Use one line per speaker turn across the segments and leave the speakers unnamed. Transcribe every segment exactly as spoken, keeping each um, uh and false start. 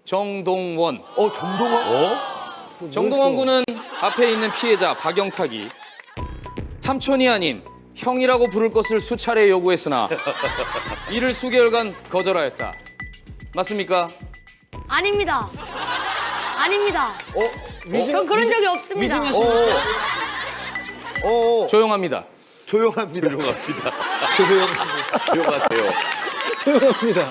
정동원.
어, 정동원?
어?
정동원 군은 앞에 있는 피해자 박영탁이 삼촌이 아닌 형이라고 부를 것을 수차례 요구했으나 이를 수개월간 거절하였다. 맞습니까?
아닙니다. 아닙니다.
어, 위증,
전 그런 적이 없습니다.
어, 어, 어,
조용합니다.
조용합니다.
조용합니다.
조용합니다.
조용하세요.
조용합니다.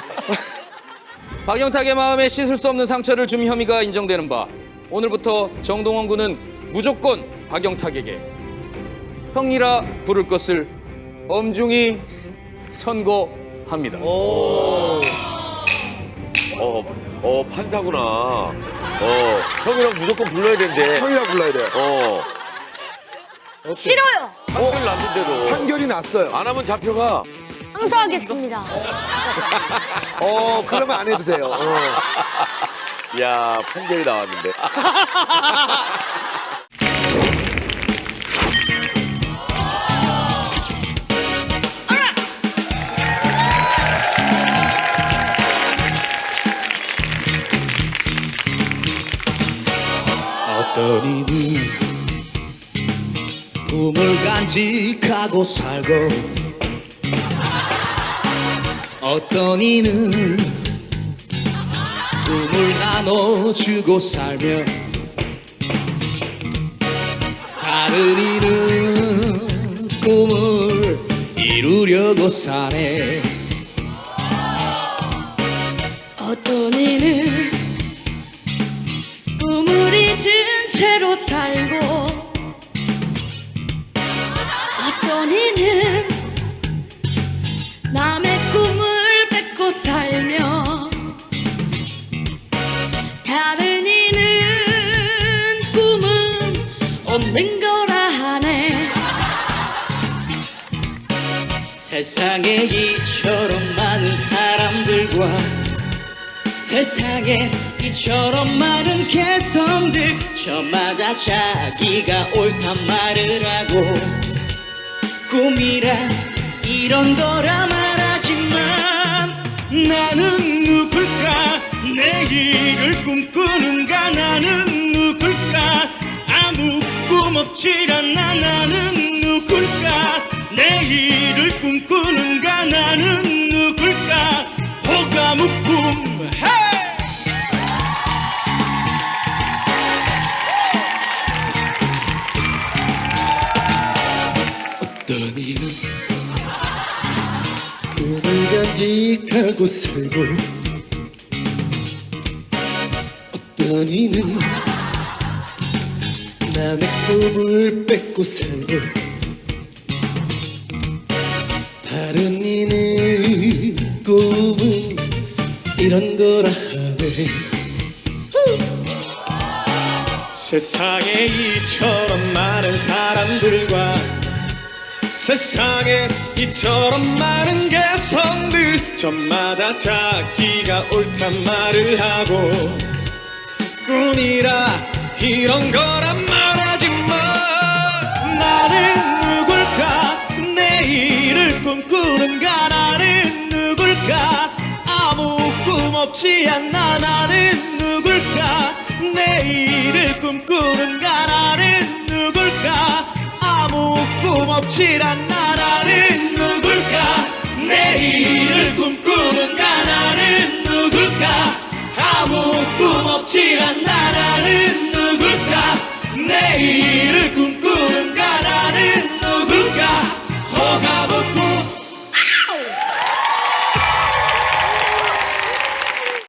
박영탁의 마음에 씻을 수 없는 상처를 준 혐의가 인정되는 바 오늘부터 정동원 군은 무조건 박영탁에게 형이라 부를 것을 엄중히 선고합니다.
오.
어, 어 판사구나. 어, 형이랑 무조건 불러야 된대.
형이라 불러야 돼.
어,
싫어요.
판결 났는데도
판결이 났어요.
안 하면 잡혀가.
항소하겠습니다.
어, 그러면 안 해도 돼요. 어.
야, 판결이 나왔는데.
어떤 이는 꿈을 간직하고 살고 어떤 이는 꿈을 나눠주고 살며 다른 이는 꿈을 이루려고 사네.
어떤 이는 꿈을 잊은 채로 살고 어떤 이는 남의 꿈을 뺏고 살며 다른 이는 꿈은 없는 거라 하네.
세상에 이처럼 많은 사람들과 세상에 이처럼 많은 개성들 저마다 자기가 옳단 말을 하고 꿈이라 이런 거라 말하지만 나는 누굴까 내일을 꿈꾸는가 나는 누굴까 아무 꿈 없지 않아 나는 누굴까 내일을 꿈꾸는가 나는 누굴까 호가묵꿈 헤이! 어떤 이는 꿈을 간직하고 살고 어떤 이는 남의 꿈을 뺏고 살고 다른 이는 꿈은 이런 거라 하네. 세상에 이처럼 많은 사람들과 세상에 이처럼 많은 개성들 저마다 자기가 옳단 말을 하고 꿈이라 이런 거란 말하지만 나는 누굴까 내일을 꿈꾸는가 나는 누굴까 아무 꿈 없지 않나 나는 누굴까 내일을 꿈꾸는가 나는 누굴까 아무 꿈 없지 않나 나는 누굴까 내일을 꿈꾸는가 나는 누굴까 아무 꿈 없지 않나 나는